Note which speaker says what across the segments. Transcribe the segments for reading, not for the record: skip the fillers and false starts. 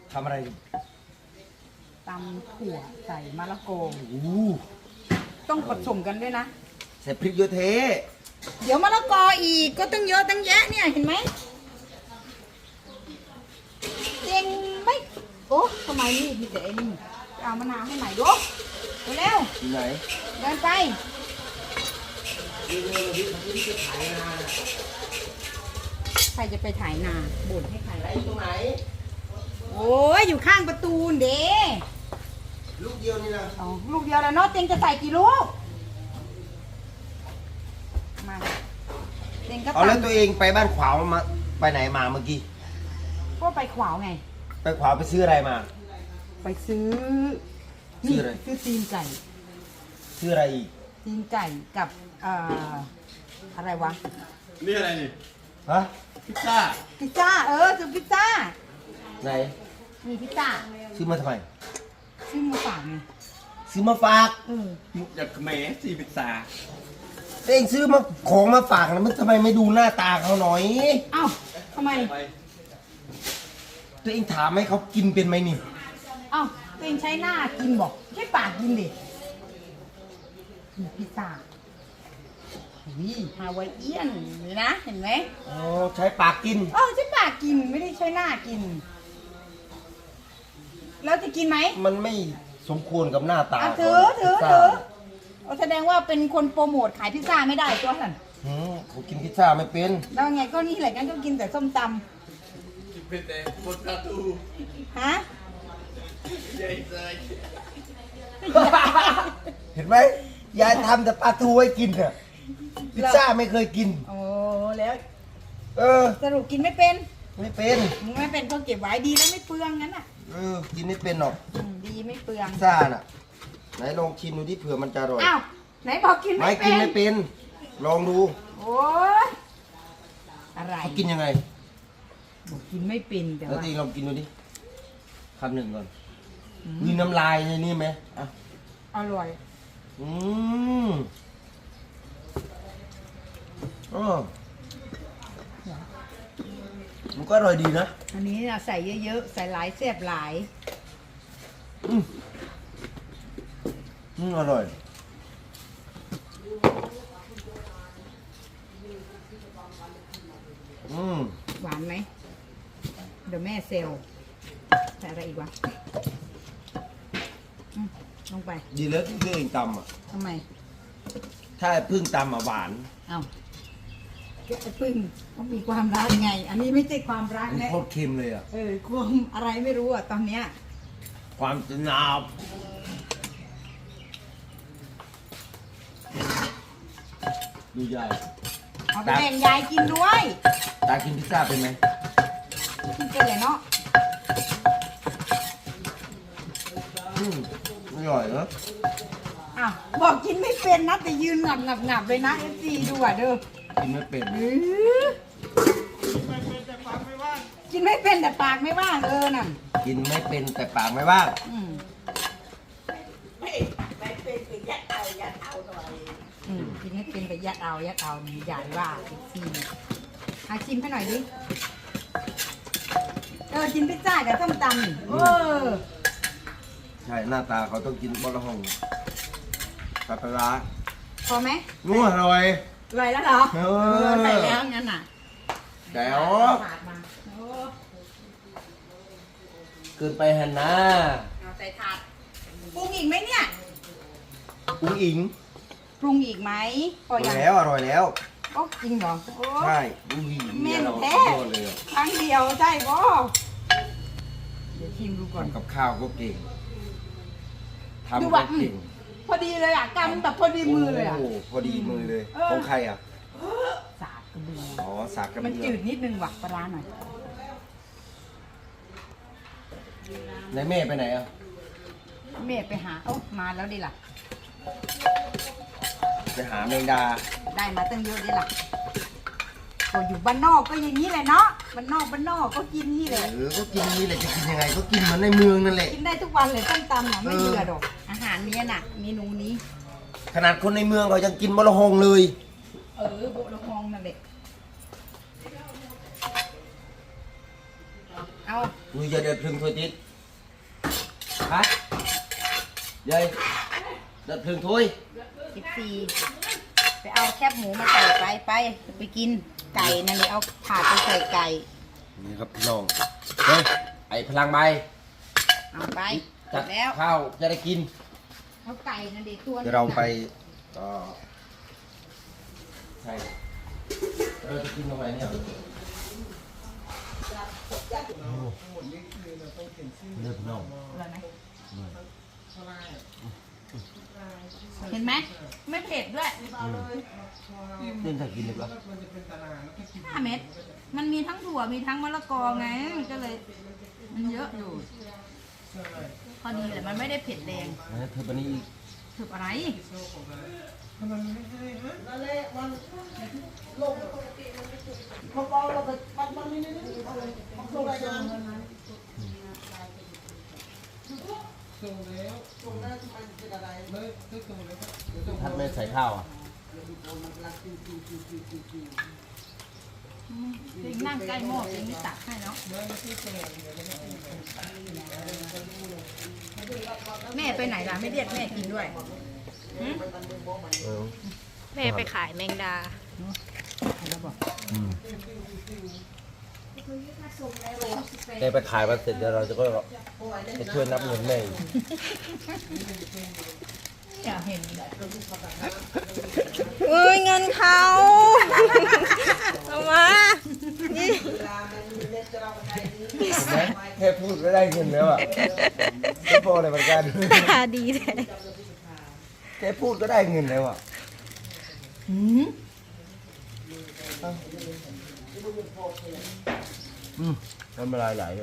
Speaker 1: ทำอะไร
Speaker 2: ตำถั่วใส่มะละกอ
Speaker 1: อู้
Speaker 2: ต้องผสมกันด้วยนะ
Speaker 1: ใส่พริกเยอะเท
Speaker 2: เดี๋ยวมะละกออีกก็ต้องเยอะตั้งแยะเนี่ยเห็นไหมเจงไม่โอ้ทำไมนี่มีแต่ไอ้นี่เอามะนาวให้ใหม่ดูเร็ว
Speaker 1: ที่ไหน
Speaker 2: เดินไปใครจะไปถ่ายนาบ่นให้ใคร
Speaker 1: ไหนตรงไหน
Speaker 2: โอ้ยอยู่ข้างประตูเด้
Speaker 1: ลูกเดียวนี่นะ
Speaker 2: อ๋อลูกเดียวแล้วเนาะเต็งจะใส่กี่ลูกมาเต็งก็
Speaker 1: เอาแล้ว
Speaker 2: ตำ
Speaker 1: ตัวเองไปบ้านขวาวมาไปไหนมาเมื่อกี้
Speaker 2: ก็ไปขวาวไง
Speaker 1: ไปขวาวไปซื้ออะไรมา
Speaker 2: ไปซื้อ
Speaker 1: ซื้ออะไร
Speaker 2: ซื้อตีนไก่
Speaker 1: ซื้ออะไรอีก
Speaker 2: ตีนไก่กับอะไรวะ
Speaker 3: นี่อะไรนี่
Speaker 1: ฮะ
Speaker 3: พิซซ่า
Speaker 2: พิซซ่าซื้อพิซซ่า
Speaker 1: ไหน
Speaker 2: มีพิซซ่า
Speaker 1: ซื้อมาทำไม
Speaker 2: ซื้อมาฝากไง
Speaker 1: ซื้อมาฝาก
Speaker 3: มุกจากเขมรสี่พิซซ่า
Speaker 1: ตัวเองซื้อมาของมาฝากนะมันทำไมไม่ดูหน้าตาเขาหน่อย
Speaker 2: เอ้าทำไม
Speaker 3: ไป
Speaker 1: ตัวเองถามให้เขากินเป็นไหมนี่
Speaker 2: เอ้าตัวเองใช้หน้ากินบอกใช้ปากกินดิมีพิซซ่าวิฮาวายเอียนเลยนะเห็นไหม
Speaker 1: อ๋อใช้ปากกิน
Speaker 2: ใช้ปากกินไม่ได้ใช้หน้ากิน แล้วจะกินไหม
Speaker 1: มันไม่สมควรกับหน้าตา
Speaker 2: ถือ
Speaker 1: พิซซ่า
Speaker 2: แสดงว่าเป็นคนโปรโมทขายพิซซ่าไม่ได้ตัวนั่น
Speaker 1: เขากินพิซซ่าไม่เป็น
Speaker 2: แล้วไงก็นี่แหละงั้นก็กินแต่ส้มต
Speaker 3: กินเป็นแต่บนประตู
Speaker 2: ำฮะ
Speaker 3: ใหญ่เลย
Speaker 1: เห็นไหมยายทำแต่ปลาทูให้กินอะพิซซ่าไม่เคยกิน
Speaker 2: โอ้แล้ว
Speaker 1: เออ
Speaker 2: สรุปกินไม่เป็น
Speaker 1: ไม่เป็น
Speaker 2: ไม่เป็นก็เก็บไว้ดีแล้วไม่เปลืองงั้นอ่ะ
Speaker 1: กินไม่เป็นหรอก
Speaker 2: ดีไม่เปลือง
Speaker 1: พิซซ่าน่ะไหนลองชิมดูที่เผื่อมันจะอร่อย
Speaker 2: อ้าวไหนบอกกิน
Speaker 1: ไม่
Speaker 2: ไม่เป็
Speaker 1: กิ
Speaker 2: น
Speaker 1: นไม่เป็น ลองดู
Speaker 2: โอ้ยอะไร
Speaker 1: เขากินยังไง
Speaker 2: บอกกินไม่เป็นแต่
Speaker 1: แล้ว
Speaker 2: ว่า
Speaker 1: ทีลองกินดูดิคำหนึ่งก่อนมีน้ำลายในนี่ไหมอ่ะ
Speaker 2: อร่อย
Speaker 1: อืมอ๋อมันก็อร่อยดีนะ
Speaker 2: อันนี้นะใส่เยอะๆใส่หลายแซ่บหลาย
Speaker 1: อร่อย
Speaker 2: หวานไหมเดี๋ยวแม่เซลใส่อะไรอีกวะลงไป
Speaker 1: ดีแล้วที่ตัวเองตำอ่ะ
Speaker 2: ทำไม
Speaker 1: ถ้าพึ่งตำอ่ะหวาน
Speaker 2: เอ้าแกะพึ่งเขามีความรักไง อันนี้ไม่ใช่ความรัก
Speaker 1: มัน
Speaker 2: นะ
Speaker 1: โคตรเค็มเลยอ่ะ
Speaker 2: ความอะไรไม่รู้อ่ะตอนเนี้ย
Speaker 1: ความจะหนาวดูยาย
Speaker 2: เอาไปแบ่งยายกินด้วย
Speaker 1: ตากินพิซซ่าเป็นไหม
Speaker 2: กินกันเลยเนาะ
Speaker 1: อร่อยเหรอ
Speaker 2: อ้าวบอกกินไม่เป็นนะแต่ยืนงับเลยนะเอฟซีดูอ่ะเด้อ
Speaker 1: กินไม่เป็น
Speaker 2: กินไม่เป็นแต่ปากไม่ว่างน่ะ
Speaker 1: กินไม่เป็นแต่ปากไม่ว่าง
Speaker 2: กินไม่เป็นแต่ยัดเอานี่ใหญ่ว่าเอฟซีชิมให้หน่อยดิกินพิซซ่ากับส้มตำนี่
Speaker 1: ใช่หน้าตาเขาต้องกินบะละหงปลาปลาร้า
Speaker 2: พอไหม
Speaker 1: นัวอร่อย
Speaker 2: อร่อยแล้วเหรอ ใส่แล้วงั้นน่ะ
Speaker 1: แจ๋ว
Speaker 2: ปาดมาโอ้
Speaker 1: เกินไปหันนะ
Speaker 2: เอาใส่ถาดปรุงอีกไหมเนี่ย
Speaker 1: อุ้งอิง
Speaker 2: ปรุงอีกไหมพอ
Speaker 1: อร่
Speaker 2: ยั
Speaker 1: อง ยแล้วอร่อยแล้ว
Speaker 2: โอ้จริงเหรอโอ้
Speaker 1: ใช่อุ้งอิง
Speaker 2: แม่น
Speaker 1: เรา
Speaker 2: แท้
Speaker 1: โดนเลยอะ
Speaker 2: ครั้งเดียวใช่ป่ะเดี๋ยวชิมดูก่อน
Speaker 1: ทำกับข้าวก็เก่ง
Speaker 2: ดู
Speaker 1: ทำ
Speaker 2: ว่า
Speaker 1: ก็เก่ง
Speaker 2: พอดีเลยอ่ะกำแบบพอดีมือเลยอ่ะ
Speaker 1: โอ้โหพอดีมือเลย ของใครอ่ะ
Speaker 2: สาดกระเบือ
Speaker 1: อ๋อสากกระ
Speaker 2: มัน
Speaker 1: เบือ
Speaker 2: จืดนิดนึงว่ะปลาร้าหน่อย
Speaker 1: ไหนแม่ไปไหนอ่ะ
Speaker 2: แม่ไปหามาแล้วดิล่ะ
Speaker 1: ไปหาแมงดา
Speaker 2: ได้มาตั้งเยอะดิล่ะก็อยู่บ้านนอกก็อย่างนี้แหละเนาะบ้านนอกก็กินนี่แหละ
Speaker 1: ก็กินนี่แหละจะกินยังไงก็กินเหมือนในเมืองนั่นแหละ
Speaker 2: กินได้ทุกวันเลยต้มตำอ่ะไม่เบื่อดอกอาหารเนี้ยน่ะเมนูนี้
Speaker 1: ขนาดคนในเมืองเขายังกินบะละหงเลย
Speaker 2: โบะละมองนั่นแหละเอา
Speaker 1: Ui giờ đợt rừng thôi tít. Hả? Đây. Đợt rừng thôi.
Speaker 2: 14ไปเอาแคบหมูมาใส่ไปกินไก่นั่นเลยเอาถาดไปใส่ไก่
Speaker 1: นี่ครับพี่น้องเฮ้ยไอ้พลังใบ
Speaker 2: เอาไปเสร็
Speaker 1: จั
Speaker 2: จ
Speaker 1: ด
Speaker 2: แล้ว
Speaker 1: ข้าวจะได้กิน
Speaker 2: เอาไก่นั่นเด็ตัว
Speaker 1: เดี๋ยวเราไปใช่เราจะกินตรงไหนเนี่ยเลือดน้อง
Speaker 2: อร่อยไหมเห็นไหมไม่เผ็ดด้วย
Speaker 1: เล่นถ้ากินเลยปะ
Speaker 2: 5 เม็ดมันมีทั้งถั่วมีทั้งมะละกอไงก็เลยมันเยอะอยู่พอดีแหละมันไม่ได้เผ็ดแรง
Speaker 1: นะเธอปนี้อีก
Speaker 2: ถึกอะไร
Speaker 1: ถ้าไม่ใส่ข้าวอ่ะ
Speaker 2: จริงนั่งใกล้หม้อจริงนี่ตักให้เนาะแม่ไปไหนล่ะไม่เรียกแม่กินด้วยหืม
Speaker 4: แม่ไปขายแมงดา
Speaker 1: แกไปขายมาเสร็จเดี๋ยวเราจะก็ไปช่วยนับเงินแม่อีก
Speaker 2: อยากเห็น
Speaker 4: เอ้ยเงินเขาเอามา
Speaker 1: เห็นไหมแค่พูดก็ได้เงินแล้วอ่ะไม่พอเลยเหมือนกัน
Speaker 4: ดีแท้
Speaker 1: แค่พูดก็ได้เงินแล้วอ่ะ
Speaker 2: หืม
Speaker 1: น้ำลายไหลเลย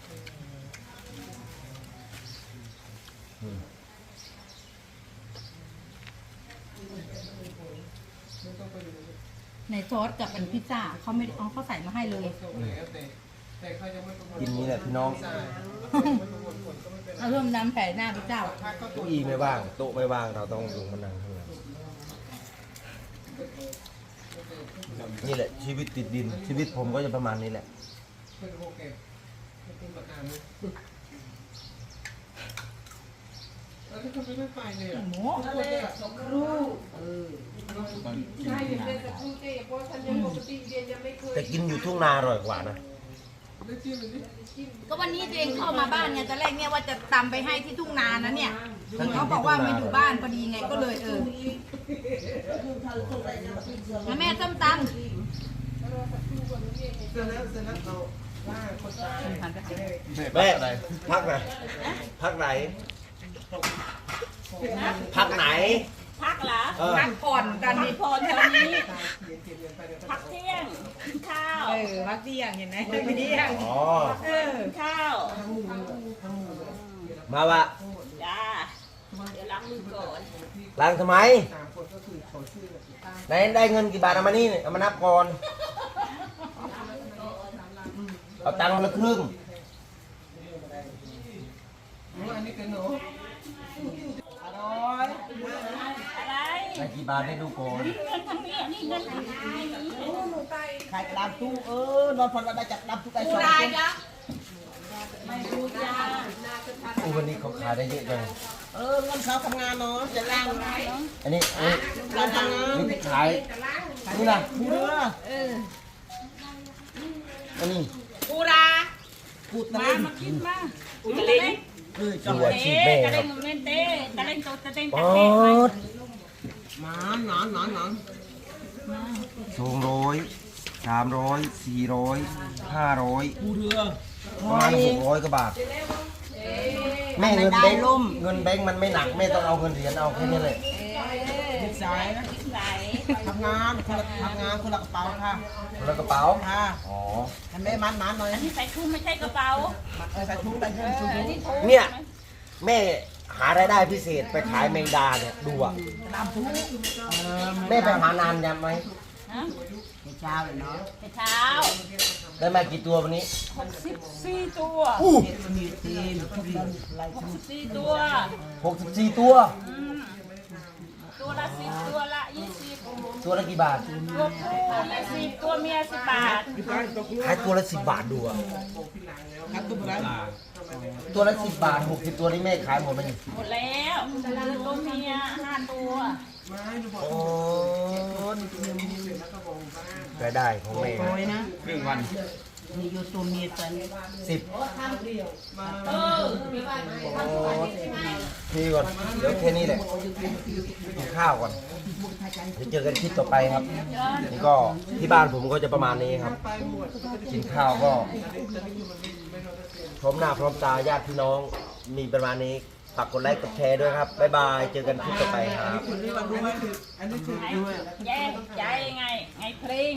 Speaker 2: ในซอสกับเป็นพิซซ่าเขาไม่เอาเขาใส่มาให้เลย
Speaker 1: กินนี้แหละพี่น้อง
Speaker 2: เอาเริ่มน้ำใส่หน้าพิซซ่า
Speaker 1: เก้าอี้ไม่ว่างโต๊ะไม่ว่างเราต้องลงมานั่งข้างหลังนี่แหละชีวิตติดดิน ชีวิตผมก็จะประมาณนี้แหละ
Speaker 2: หมู
Speaker 1: แต่กินอยู่ทุ่งนาอร่อยกว่านะ
Speaker 2: ก็วันนี้ตัวเองเข้ามาบ้านไงตอนแรกเนี่ยว่าจะตำไปให้ที่ทุ่งนานะเนี่ยเขาบอกว่ามาอยู่บ้านพอดีไงก็เลยแล้วแม่ส้มตำ
Speaker 1: แม่พักไหนพักไหนพักไหน
Speaker 5: พักเหรอ
Speaker 2: พักผ่อนกันดิ
Speaker 5: พรตอนนี้ พักเที่ยงกินข้าว
Speaker 2: พักเที่ยงเห็นไหมไม่เที่ยง
Speaker 1: อ๋อ
Speaker 5: กินข้าว
Speaker 1: มาวะ
Speaker 5: จ้าเดี๋ยวล้างมือก่อน
Speaker 1: ล้างทำไมไหนได้เงินกี่บาทเอามานี่เอามานับก่อนเอาตังค์คนละครึ่ง
Speaker 5: อะไร
Speaker 1: ได้กี่บาทให้ดูก่อน
Speaker 5: เงินทางนี้อันนี้เงินทางนี้
Speaker 6: ขายกระดาษตู้นอนพอเราได้จับดำตู้ไก่สอง
Speaker 2: ได้จ้ะ
Speaker 5: ไม่รู้จ้า
Speaker 1: อู้วันนี้เขาขายได้เยอะจัง
Speaker 6: เงินเขาทำงานเนาะจะล่าง
Speaker 1: อันนี้
Speaker 6: เราทำงาน
Speaker 1: นี่ขายนี่นะ
Speaker 6: เรือ
Speaker 1: อันนี้
Speaker 2: ปูรา
Speaker 6: พูดตะเล่น
Speaker 5: มากินมาอุตะเล่ง
Speaker 1: ดูอาชีพแม่
Speaker 5: ตะ
Speaker 1: ค
Speaker 5: เล่
Speaker 1: รับ
Speaker 5: งเล่นเต้ตะเล่งโตตะเล่ง
Speaker 1: ป๊
Speaker 5: ตะ
Speaker 1: อ
Speaker 5: เล่ง
Speaker 1: ด
Speaker 6: หนอน
Speaker 1: 200 300 400 500
Speaker 6: พูเรือ
Speaker 1: ประมาณ600กว่าบาทแม่เงินแบงค์เงินแบงค์มันไม่หนักแม่ต้องเอาเงินเหรียญเอาแค่นี้เลย
Speaker 6: ติดสายนะ
Speaker 5: ไหน
Speaker 6: ทำงานคนละกระเป๋าค่ะ
Speaker 1: แล้วกระเป๋า
Speaker 6: ค่ะ
Speaker 1: อ๋อ
Speaker 6: ทำแม่มันหน่อย
Speaker 5: อันนี้ใส่ถุงไม่ใช่กระเป๋า
Speaker 6: ใส่ถุงใส่ถุงถุง
Speaker 5: อันนี้ถุง
Speaker 1: เนี่ยแม่หารายได้พิเศษไปขายแมงดาเนี่ยดูอ่ะ
Speaker 6: น้ำถุง
Speaker 1: แม่ไปหานานยังไหม
Speaker 5: ฮะ
Speaker 6: เช้าเลยเนาะ
Speaker 5: ไปเช้า
Speaker 1: ได้มากี่ตัววันนี้
Speaker 5: 64 ตัว
Speaker 6: มีทีมทุกคนไล่
Speaker 5: 64 ตัว
Speaker 1: 64 ตัว
Speaker 5: ตัวละ10ตัวละ20
Speaker 1: ตัวละกี่บาท
Speaker 5: ตัวผู้20ตัวเมีย10 บาท
Speaker 1: ขายตัวละ10 บาทดูอะ
Speaker 6: ครับตุ้มไร
Speaker 1: ตัวละ10 บาท60ตัวนี่แม่ขายหมดไหมนี่
Speaker 5: หมดแล้วตัวเมีย5 ตัว
Speaker 1: โอ้รายได้ของแม่
Speaker 2: โอ้ยนะ
Speaker 3: ครึ่งวัน
Speaker 2: มีอยู่ตัวเมียตัวนี้
Speaker 1: 10ทีก่อนเดี๋ยวแค่นี้แหละกินข้าวก่อนเดี๋ยวเจอกันคลิปต่อไปครับนี่ก็ที่บ้านผมก็จะประมาณนี้ครับ กินข้าวก็พร้อมหน้าพร้อมตาญาติพี่น้องมีประมาณนี้ฝากกดไลค์กดแชร์ด้วยครับบ๊ายบายเจอกันคลิปต่อไปครับ
Speaker 5: แย่ใจไงเพลง